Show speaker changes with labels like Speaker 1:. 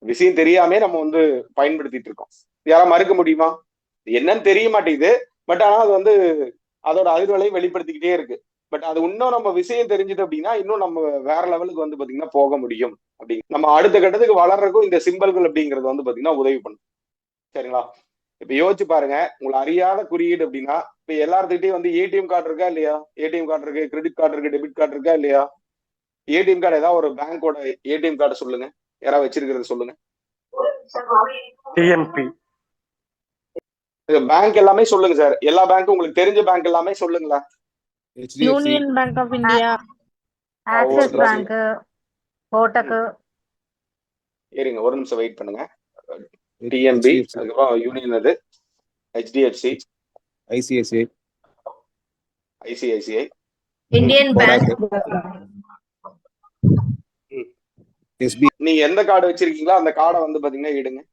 Speaker 1: விஷயம் தெரியாமே நம்ம வந்து பயன்படுத்திட்டு இருக்கோம். யாரா மறுக்க முடியுமா? என்னன்னு தெரிய மாட்டேங்குது. பட் ஆனா அது வந்து அதோட அதிர்வலை வெளிப்படுத்திக்கிட்டே இருக்கு. பட் அது இன்னும் நம்ம விஷயம் தெரிஞ்சது அப்படின்னா இன்னும் நம்ம வேற லெவலுக்கு வந்து பாத்தீங்கன்னா போக முடியும். அப்படி நம்ம அடுத்த கட்டத்துக்கு வளர்றதுக்கும் இந்த சிம்பல்கள் அப்படிங்கிறது வந்து பாத்தீங்கன்னா உதவி பண்ணும். சரிங்களா? இப்ப யோசிச்சு பாருங்க. உங்களை அறியாத குறியீடு அப்படின்னா இப்ப எல்லாத்துக்கிட்டையும் வந்து ஏடிஎம் கார்டு இருக்கா இல்லையா? ஏடிஎம் கார்டு இருக்கு, கிரெடிட் கார்டு இருக்கு, டெபிட் கார்டு இருக்கா இல்லையா? ஏடிஎம் கார்டு ஏதாவது ஒரு பேங்கோட ஏடிஎம் கார்டு சொல்லுங்க. யாராவது வச்சிருக்கிறது சொல்லுங்க.
Speaker 2: டிஎன்பி
Speaker 1: பேங்க் எல்லாமே சொல்லுங்க சார். எல்லா பேங்க்கும் உங்களுக்கு தெரிஞ்ச பேங்க் எல்லாமே சொல்லுங்களேன்.
Speaker 3: Union Bank of India,
Speaker 4: Axis Bank, Kotak.
Speaker 1: இருங்க ஒரு நிமிஷம் வெயிட் பண்ணுங்க. டிஎன்பி, அதுக்கப்புறம் யூனியன், அது HDFC,
Speaker 5: ICICI,
Speaker 1: ICICI,
Speaker 4: Indian Bank.
Speaker 5: SB.
Speaker 1: நீங்க எந்த கார்டு வச்சிருக்கீங்களோ அந்த கார்டை வந்து பாத்தீங்கன்னா எடுங்க.